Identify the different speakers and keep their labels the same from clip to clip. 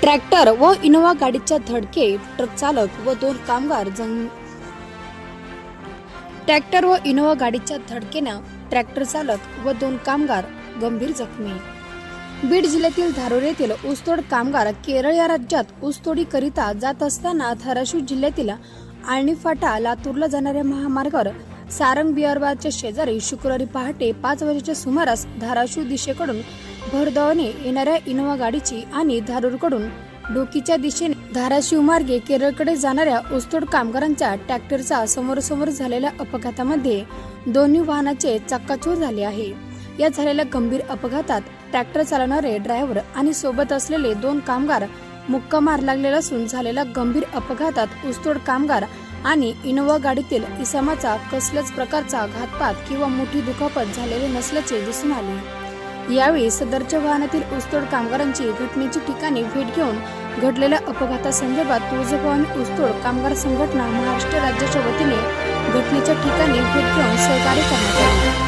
Speaker 1: Tractor व Innova गाडीच्या धडकेत ट्रक चालक व 2 कामगार ट्रॅक्टर व इनोवा गाडीच्या धडकेनं ट्रॅक्टर चालक व 2 कामगार गंभीर जखमी. बीड जिल्ह्यातील धारूर येथील ऊसतोड कामगार केरळ या राज्यात ऊसतोडी करिता जात असताना धाराशिव जिल्ह्यातील आळणी फाटा लातूरला जाणाऱ्या महामार्गावर सारंग बियारबादच्या शेजारी शुक्रवारी पहाटे 5 वाजेच्या सुमारास धाराशिव दिशेकडून भरधावने येणाऱ्या इनोवा गाडीची आणि धारूरकडून डोकीच्या दिशेने धाराशिव मार्गे केरळकडे जाणाऱ्या ऊसतोड कामगारांच्या ट्रॅक्टरचा समोरासमोर झालेल्या अपघातामध्ये दोन्ही वाहनाचे चक्काचूर झाले आहे. या झालेल्या गंभीर अपघातात ट्रॅक्टर चालवणारे ड्रायव्हर आणि सोबत असलेले 2 कामगार मुक्का मार लागलेला असून झालेल्या गंभीर अपघातात ऊसतोड कामगार आणि इनोवा गाडीतील इसमाचा कसल्याच प्रकारचा घातपात किंवा मोठी दुखापत झालेली नसल्याचे दिसून आले. यावेळी सदरच्या वाहनातील ऊसतोड कामगारांची घटनेच्या ठिकाणी भेट घेऊन घडलेल्या अपघातासंदर्भात तुळजाभवानी ऊसतोड कामगार संघटना महाराष्ट्र राज्याच्या वतीने घटनेच्या ठिकाणी भेट घेऊन सहकार्य करण्यात आले.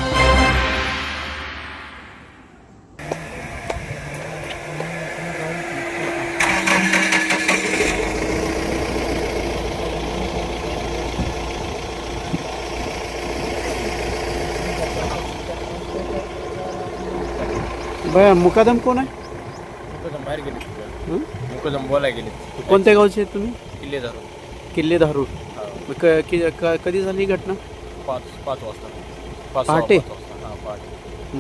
Speaker 2: बया मुकादम कोण आहे?
Speaker 3: मुकदम बाहेर गेले. मुकदम बोलाय गेले.
Speaker 2: कोणत्या गावचे आहेत तुम्ही?
Speaker 3: किल्ले धरून.
Speaker 2: किल्ले धारूर. कधी झाली ही घटना?
Speaker 3: 5 वाजता.
Speaker 2: पहाटे?
Speaker 3: हां, पहाटे.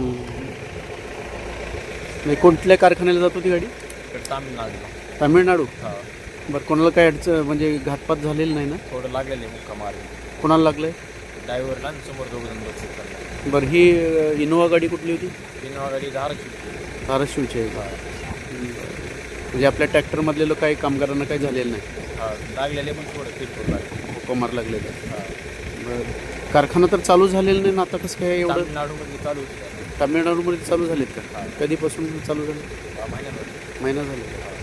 Speaker 2: म्हणजे कोणत्या कारखान्याला जात होती गाडी?
Speaker 3: इकडे तामिळनाडूला.
Speaker 2: तामिळनाडू.
Speaker 3: हां.
Speaker 2: बरं, कोणाला काय अडचण म्हणजे घातपात झालेला नाही ना?
Speaker 3: थोडं लागलेले मुक्का मारले.
Speaker 2: कोणाला लागलंय?
Speaker 3: ड्रायव्हरला आणि समोर 2 जण बसले.
Speaker 2: बरं, ही इनोवा गाडी कुठली होती?
Speaker 3: इनोवा गाडी
Speaker 2: धाराशिवची आहे. म्हणजे आपल्या ट्रॅक्टरमधले काही कामगारांना काही झालेलं नाही?
Speaker 3: हां, लागलेले पण थोडं किरकोळ लागले.
Speaker 2: मुक्का मार लागलेला.
Speaker 3: हां.
Speaker 2: बरं, कारखाना तर चालू झालेला नाही ना आता? कसं काय एवढं?
Speaker 3: तामिळनाडूमध्ये चालू होती.
Speaker 2: तामिळनाडूमध्ये चालू झालेत का?
Speaker 3: हां.
Speaker 2: कधीपासून चालू झाले?
Speaker 3: महिन्यात
Speaker 2: महिना झाला.